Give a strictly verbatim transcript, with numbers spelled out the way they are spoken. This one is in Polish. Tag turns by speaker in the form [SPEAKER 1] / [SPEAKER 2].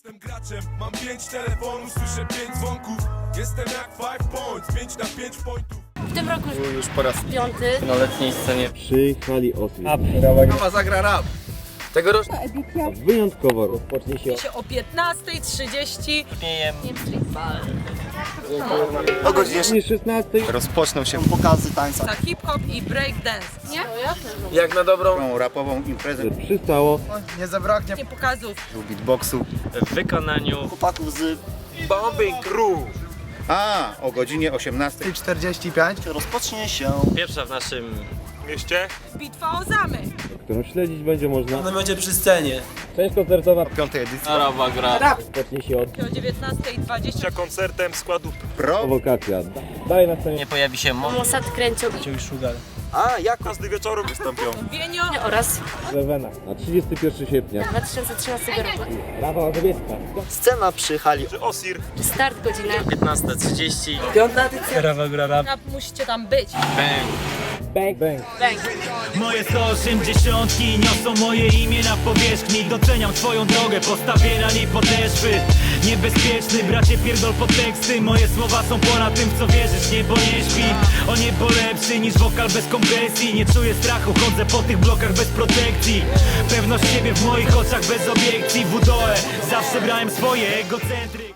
[SPEAKER 1] Jestem graczem, mam pięć telefonów, słyszę pięć dzwonków. Jestem jak five points, pięć na pięć pointów.
[SPEAKER 2] W tym roku
[SPEAKER 3] Był już po raz
[SPEAKER 2] piąty.
[SPEAKER 3] na letniej scenie.
[SPEAKER 4] Przy hali Osli.
[SPEAKER 3] Mama zagra rap. Tegoroczny
[SPEAKER 4] Wyjątkowo rozpocznie się
[SPEAKER 5] się o piętnastej trzydzieści.
[SPEAKER 3] śmiejem.
[SPEAKER 4] o godzinie szesnastej.
[SPEAKER 3] Rozpoczną się pokazy tańca.
[SPEAKER 5] Za hip-hop i breakdance. Nie?
[SPEAKER 3] Jak na dobrą
[SPEAKER 6] Tą rapową imprezę
[SPEAKER 4] Że przystało
[SPEAKER 3] nie zabraknie
[SPEAKER 5] Nie pokazów.
[SPEAKER 6] beatboxu.
[SPEAKER 7] w wykonaniu
[SPEAKER 6] Chłopaków z...
[SPEAKER 3] Bombing Crew.
[SPEAKER 6] A, o godzinie osiemnastej
[SPEAKER 3] czterdzieści pięć.
[SPEAKER 6] rozpocznie się
[SPEAKER 7] pierwsza w naszym
[SPEAKER 5] Bitwa o zamek.
[SPEAKER 4] którą śledzić będzie można.
[SPEAKER 8] Ona będzie przy scenie.
[SPEAKER 4] Część koncertowa
[SPEAKER 6] piątej edycji.
[SPEAKER 7] Arawa gra.
[SPEAKER 4] rozpocznie się od
[SPEAKER 5] O dziewiętnastej dwadzieścia.
[SPEAKER 6] Pro.
[SPEAKER 4] prowokacja. Dalej na scenie
[SPEAKER 7] Nie pojawi się mo
[SPEAKER 2] Mossad kręcił
[SPEAKER 6] A, jak
[SPEAKER 5] Wienio.
[SPEAKER 2] oraz
[SPEAKER 4] Rewena na trzydziestego pierwszego sierpnia.
[SPEAKER 2] dwa tysiące trzynastego roku.
[SPEAKER 4] Rawa Mazowiecka.
[SPEAKER 6] scena przy hali
[SPEAKER 2] Start godzina
[SPEAKER 7] piętnasta trzydzieści.
[SPEAKER 8] Piąta edycja. Rawa gra rap.
[SPEAKER 5] Rap musicie tam być.
[SPEAKER 7] Bang.
[SPEAKER 4] Bang, bang.
[SPEAKER 2] bang.
[SPEAKER 9] Moje sto osiemdziesiątki niosą moje imię na powierzchni. Doceniam twoją drogę, postawię na niej podeszwy. Niebezpieczny, bracie, pierdol pod teksty. Moje słowa są ponad tym, w co wierzysz. Niebo nie śpi, o niebo lepszy niż wokal bez kompresji. Nie czuję strachu, chodzę po tych blokach bez protekcji. Pewność siebie w moich oczach bez obiekcji. W W D O E zawsze brałem swoje egocentry.